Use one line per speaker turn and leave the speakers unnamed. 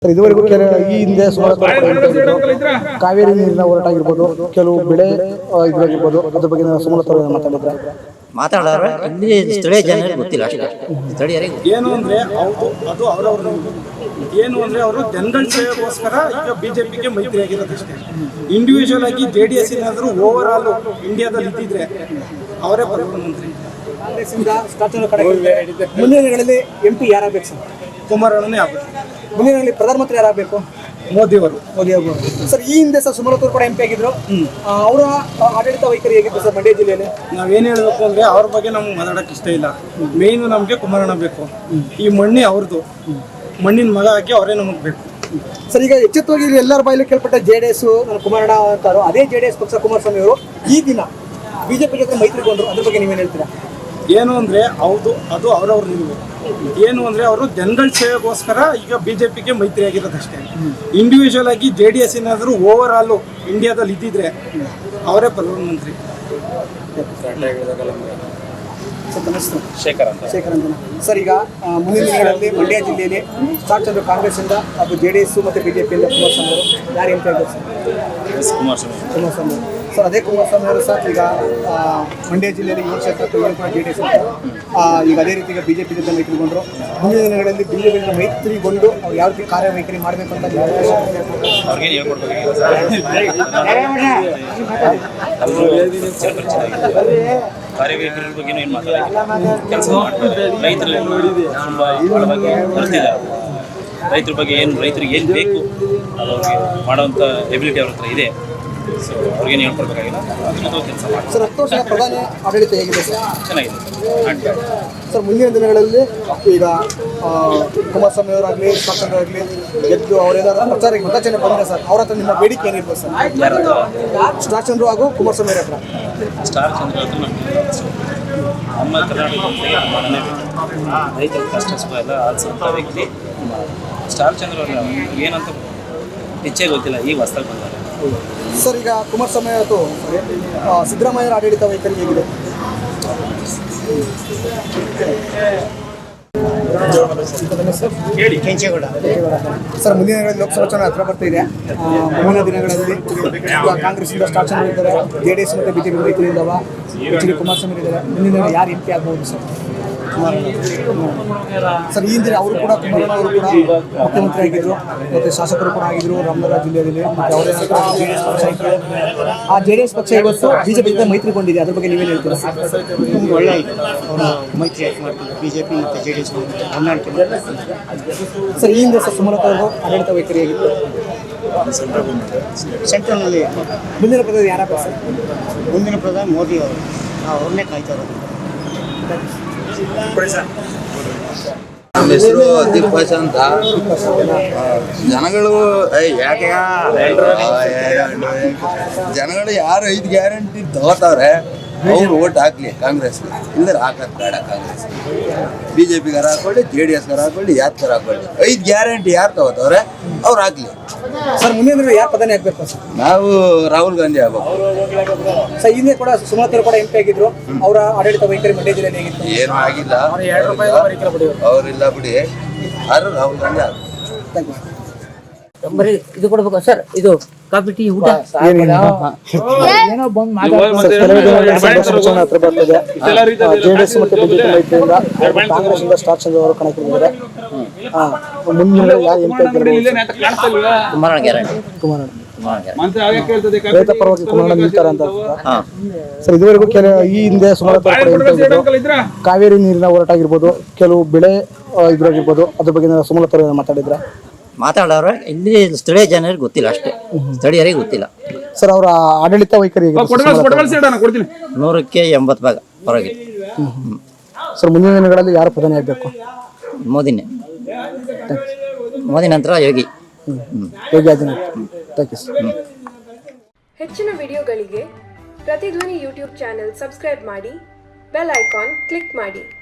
ಇದುವರೆಗೂ ಈ ಹಿಂದೆ ಸುಮಾರು ಕಾವೇರಿ ನೀರಿನ ಹೋರಾಟ ಆಗಿರ್ಬೋದು, ಕೆಲವು ಬೆಳೆ ಇದಾಗಿರ್ಬೋದು, ಅದ್ರ ಬಗ್ಗೆ ಸುಮಲತಾ
ಮಾತಾಡೋರು ಇಲ್ಲಿ ಸ್ಥಳೀಯ ಜನರಿಗೆ ಗೊತ್ತಿಲ್ಲ ಅಷ್ಟೇ. ಸ್ಥಳೀಯರಿಗೆ
ಏನು ಅಂದರೆ ಅದು ಅವರವ್ರ ಏನು ಅಂದರೆ ಅವರು ಜನಗಳ ಸೇವೆಗೋಸ್ಕರ ಈಗ ಬಿಜೆಪಿಗೆ ಮೈತ್ರಿ ಆಗಿರೋದಷ್ಟೇ. ಇಂಡಿವಿಜುವಲ್ ಆಗಿ JDS ಏನಾದರೂ ಓವರ್ ಆಲ್ ಇಂಡಿಯಾದಲ್ಲಿ ಇದ್ದಿದ್ರೆ ಅವರೇ ಪ್ರಧಾನಮಂತ್ರಿ.
ಮುಂದಿನ ದಿನಗಳಲ್ಲಿ MP ಯಾರಾಗಬೇಕು ಸರ್?
ಕುಮಾರಣ್ಣನೇ ಆಗಬೇಕು.
ಮುಂದಿನ ದಿನಗಳಲ್ಲಿ ಪ್ರಧಾನಮಂತ್ರಿ ಯಾರಾಗಬೇಕು?
ಮೋದಿ ಅವರು
ಸರ್. ಈ ಹಿಂದೆ ಸರ್ ಸುಮಲತಾ ಕೂಡ MP ಆಗಿದ್ರು. ಅವರ ಆಡಳಿತ ವೈಖರಿ ಹೇಗಿತ್ತು ಸರ್ ಮಂಡ್ಯ ಜಿಲ್ಲೆಯಲ್ಲಿ?
ನಾವೇನು ಹೇಳಬೇಕು ಅಂದರೆ ಅವ್ರ ಬಗ್ಗೆ ನಮ್ಗೆ ಮಾತಾಡೋಕ್ಕೆ ಇಷ್ಟ ಇಲ್ಲ. ಮೇಯ್ನು ನಮಗೆ ಕುಮಾರಣ್ಣ ಬೇಕು. ಈ ಮಣ್ಣಿ ಅವ್ರದ್ದು, ಮಣ್ಣಿನ ಮಗ ಹಾಕಿ ಅವರೇ ನಮಗೆ ಬೇಕು
ಸರ್. ಈಗ ಎಚ್ಚೆತ್ತವಾಗಿ ಎಲ್ಲರ ಬಾಯಲ್ಲಿ ಕೇಳ್ಪಟ್ಟ JDS ಕುಮಾರಣ್ಣ ಅಂತಾರೋ, ಅದೇ JDS ಪಕ್ಷ ಕುಮಾರಸ್ವಾಮಿ ಅವರು ಈ ದಿನ ಬಿಜೆಪಿ ಜೊತೆ ಮೈತ್ರಿಗೊಂಡ್ರು. ಅದ್ರ ಬಗ್ಗೆ ನೀವೇನು ಹೇಳ್ತೀರಾ?
ಏನು ಅಂದರೆ ಅದು ಅವರವ್ರ ನಿಲುವು. ಏನು ಅಂದರೆ ಅವರು ಜನಗಳ ಸೇವೆಗೋಸ್ಕರ ಈಗ ಬಿಜೆಪಿಗೆ ಮೈತ್ರಿ ಆಗಿರೋದಷ್ಟೇ. ಇಂಡಿವಿಜುವಲ್ ಆಗಿ JDS ಏನಾದರೂ ಓವರ್ ಆಲ್ ಇಂಡಿಯಾದಲ್ಲಿ ಇದ್ದಿದ್ರೆ ಅವರೇ ಪ್ರಧಾನಮಂತ್ರಿ. ಶೇಖರ್ ಅಂತ
ಸರ್. ಈಗ ಮುಂದಿನ ದಿನಗಳಲ್ಲಿ ಮಂಡ್ಯ ಜಿಲ್ಲೆಯಲ್ಲಿ ಸ್ಟಾರ್ಟ್ ಚಂದ್ರ ಕಾಂಗ್ರೆಸ್ಸಿಂದ ಹಾಗೂ JDS ಮತ್ತು ಬಿಜೆಪಿಯಿಂದ ಕುಮಾರಸ್ವಾಮಿ ಅವರು ಯಾರು ಅಂತ ಹೇಳ್ತಾರೆ ಸರ್? ಕುಮಾರಸ್ವಾಮಿ ಸರ್. ಅದೇ ಕುಮಾರಸ್ವಾಮಿ ಅವರು ಸರ್ ಈಗ ಮಂಡ್ಯ ಜಿಲ್ಲೆಯಲ್ಲಿ 7 ಕ್ಷೇತ್ರಕ್ಕೆ JDS ಈಗ ಅದೇ ರೀತಿ ಈಗ ಬಿಜೆಪಿ ಜೊತೆ ಮೈತ್ರಿಗೊಂಡ್ರು. ಮುಂದಿನ ದಿನಗಳಲ್ಲಿ ಬಿಜೆಪಿ ಜೊತೆ ಮೈತ್ರಿಗೊಂಡು ಅವ್ರು ಯಾವ ರೀತಿ ಕಾರ್ಯವೈಖರಿ ಮಾಡಬೇಕು ಅಂತ
ಕಾರ್ಯವೈಖರಿ ಬಗ್ಗೆ ಏನು ಮಾತಾಡೋದು, ಕೆಲಸ ಮಾಡ್ತಾರೆ. ರೈತರ ಬಗ್ಗೆ ಏನು, ರೈತರಿಗೆ ಏನು ಬೇಕು ಅದು ಅವ್ರಿಗೆ ಮಾಡೋವಂಥ ಎಬಿಲಿಟಿ ಅವ್ರ ಹತ್ರ ಇದೆ. ಸೊ ಅವ್ರಿಗೇನು ಹೇಳ್ಕೊಡ್ಬೇಕಾಗಿಲ್ಲ, ಅದನ್ನ ಕೆಲಸ ಮಾಡಿ.
ಸರ್, 10 ವರ್ಷ ಪ್ರಧಾನಿ ಆಡಳಿತ ಹೇಗಿದೆ ಸರ್?
ಚೆನ್ನಾಗಿದೆ
ಸರ್. ಮುಂದಿನ ದಿನಗಳಲ್ಲಿ ಈಗ ಕುಮಾರಸ್ವಾಮಿ ಅವರಾಗಲಿ ಶಾಸಕರು ಆಗಲಿ ಗೆದ್ದು ಅವರೇನಾದ್ರೂ ಪ್ರಚಾರಕ್ಕೆ ಮತಚನೆ ಬಂದರೆ ಸರ್, ಅವ್ರ ಹತ್ರ ನಿಮ್ಮ ಬೇಡಿಕೆ ಏನಿರ್ಬೋದು ಸರ್? ಸ್ಟಾರ್ ಚಂದ್ರು ಹಾಗೂ ಕುಮಾರಸ್ವಾಮಿ ಹತ್ರ.
ಸ್ಟಾರ್ ಚಂದ್ರ ಹತ್ರ ನಮ್ಮ ಕರ್ನಾಟಕದ ರೈತರ ಕಷ್ಟ ಸುಖ ಎಲ್ಲ ಆಲಿಸುವಂಥ ವ್ಯಕ್ತಿ ಸ್ಟಾರ್ ಚಂದ್ರ ಅವ್ರನ್ನ ಏನಂತ ಹೆಚ್ಚೇ ಗೊತ್ತಿಲ್ಲ, ಈಗ ಹೊಸ್ದಾಗಿ ಬಂದ್ದಾರೆ
ಸರ್. ಈಗ ಕುಮಾರಸ್ವಾಮಿ ಅವತ್ತು ಸಿದ್ದರಾಮಯ್ಯರ ಆಡಳಿತ ವೈಖರಿ ಹೇಗಿದೆ? ಸರ್, ಮುಂದಿನ ದಿನಗಳಲ್ಲಿ ಲೋಕಸಭಾ ಚುನಾವಣೆ ಹತ್ರ ಬರ್ತಾ ಇದೆ. ಮುಂದಿನ ದಿನಗಳಲ್ಲಿ ಕಾಂಗ್ರೆಸ್ಸಿಂದ ಸ್ಟಾರ್ ಚಂದ್ರ ಇದ್ದಾರೆ, JDS ಮತ್ತು ಬಿಜೆಪಿ ಮೈತ್ರಿಯಿಂದವ HD ಕುಮಾರಸ್ವಾಮಿ ಇದ್ದಾರೆ. ಮುಂದಿನ ದಿನ ಯಾರು MP ಆಗ್ಬೋದು ಸರ್? ಸರ್, ಈ ಹಿಂದೆ ಅವರು ಕೂಡ ಕುಮಾರಣ್ಣ ಅವರು ಕೂಡ ಮುಖ್ಯಮಂತ್ರಿ ಆಗಿದ್ರು ಮತ್ತು ಶಾಸಕರು ಕೂಡ ಆಗಿದ್ರು ರಾಮನಗರ ಜಿಲ್ಲೆಯಲ್ಲಿ. ಮತ್ತು ಅವರೇ JDS ಪಕ್ಷ ಇತ್ತು. ಆ JDS ಪಕ್ಷ ಇವತ್ತು ಬಿಜೆಪಿ ಜೊತೆ ಮೈತ್ರಿಗೊಂಡಿದೆ. ಅದ್ರ ಬಗ್ಗೆ ನೀವೇನು ಹೇಳ್ತೀರಾ?
ನಮ್ಗೆ ಒಳ್ಳೆ ಅವರು ಮೈತ್ರಿ ಮಾಡ್ತಿದ್ರು ಬಿಜೆಪಿ ಮತ್ತು JDS ಹೊಂದಾಣಿಕೆ.
ಸರ್, ಈ ಹಿಂದೆ ಸರ್ ಸುಮಲತಾ ಅವರು ಆಡಳಿತ ವೈಖರಿ ಆಗಿತ್ತು.
ಸೆಂಟ್ರಲ್ನಲ್ಲಿ
ಮುಂದಿನ ಪ್ರಧಾನಿ ಯಾರಾಗಬೇಕು ಸರ್?
ಮುಂದಿನ ಪ್ರಧಾನಿ ಮೋದಿ ಅವರು, ನಾವು ಅವ್ರನ್ನೇ ಕಾಯ್ತಾ ಇರೋದು.
ನಮ್ಮ ಹೆಸರು ದಿಗ್ಭಾಷ ಅಂತ. ಜನಗಳು ಜನಗಳು ಯಾರು 5 ಗ್ಯಾರಂಟಿ ತಗೋತಾವ್ರೆ ಅವ್ರು ಓಟ್ ಹಾಕ್ಲಿ ಕಾಂಗ್ರೆಸ್ಗೆ, ಇಲ್ಲದ್ರೆ ಹಾಕೋದು ಬೇಡ. ಕಾಂಗ್ರೆಸ್ BJಪಿಗಾರ ಹಾಕೊಳ್ಳಿ, JDSಗಾರ ಹಾಕೊಳ್ಳಿ, ಯಾತ್ಗಾರ ಹಾಕೊಳ್ಳಿ. 5 ಗ್ಯಾರಂಟಿ ಯಾರು ತಗೋತಾವ್ರೆ ಅವ್ರು ಹಾಕ್ಲಿ.
ಸರ್, ಮುಂದಿನ ಯಾರು ಪ್ರಧಾನಿ ಆಗ್ಬೇಕು ಸರ್?
ನಾವು ರಾಹುಲ್ ಗಾಂಧಿ ಆಗ್ಬೇಕು.
ಸರ್, ಹಿಂದೆ ಕೂಡ ಸುಮಲತಾ ಕೂಡ MP ಆಗಿದ್ರು. ಅವರ ಆಡಳಿತ ವೈಖರಿ ಮಂಡ್ಯ ಜಿಲ್ಲೆಯಲ್ಲಿ ಹೇಗಿತ್ತು?
ಏನೂ ಆಗಿಲ್ಲ, ಅವರಿಲ್ಲ ಬಿಡಿ. ಆದ್ರೂ ರಾಹುಲ್ ಗಾಂಧಿ ಆಗ್ಬೇಕು.
Thank you.
ಬರೀ ಇದು ಕೊಡ್ಬೇಕು ಸರ್, ಇದು ಕಾಫಿ ಟೀ ಊಟ ಏನೋ ಬಂದು
ಹತ್ರ ಬರ್ತದೆ. JDS ಮತ್ತು ಬಿಜೆಪಿ ಮೈತ್ರಿಯಿಂದ ಕಾಂಗ್ರೆಸ್ಸಿಂದ ಸ್ಟಾರ್ ಚಂದ್ರ ಅವರು ಕಣಕ್ಕಿಳಿದಿದ್ದಾರೆ. ಮುಂದಿನ ಯಾರು MP
ಕುಮಾರಣ್ಣ ಗ್ಯಾರಂಟಿ.
ರೈತ ಪರವಾಗಿ ಕುಮಾರಣ್ಣ ನಿಲ್ತಾರೆ ಅಂತ ಸರ್. ಇದುವರೆಗೂ ಈ ಹಿಂದೆ ಸುಮಲತಾ ಕಾವೇರಿ ನೀರಿನ ಹೋರಾಟ ಆಗಿರ್ಬೋದು, ಕೆಲವು ಬೆಳೆ ಇದ್ರಾಗಿರ್ಬೋದು, ಅದ್ರ ಬಗ್ಗೆ ಸುಮಲತಾ
ಮಾತಾಡೋರು ಇಲ್ಲಿ ಸ್ಥಳೀಯ ಜನರಿಗೆ ಗೊತ್ತಿಲ್ಲ ಅಷ್ಟೇ. ಸ್ಥಳೀಯರಿಗೆ ಗೊತ್ತಿಲ್ಲ
ಸರ್. ಅವರ ಆಡಳಿತ ವೈಖರಿ
100ಕ್ಕೆ 80 ಭಾಗ ಹೊರಗೆ.
ಸರ್, ಮುಂದಿನ ದಿನಗಳಲ್ಲಿ ಯಾರು ಪ್ರಧಾನಿ ಆಗಬೇಕು?
ಮೋದಿನೇ. ಮೋದಿ ನಂತರ ಯೋಗಿ
ಆದಿತ್ಯನಾಥ್.
ಹೆಚ್ಚಿನ ವಿಡಿಯೋಗಳಿಗೆ ಪ್ರತಿಧ್ವನಿ ಯೂಟ್ಯೂಬ್ ಚಾನೆಲ್ ಸಬ್ಸ್ಕ್ರೈಬ್ ಮಾಡಿ, ಬೆಲ್ ಐಕಾನ್ ಕ್ಲಿಕ್ ಮಾಡಿ.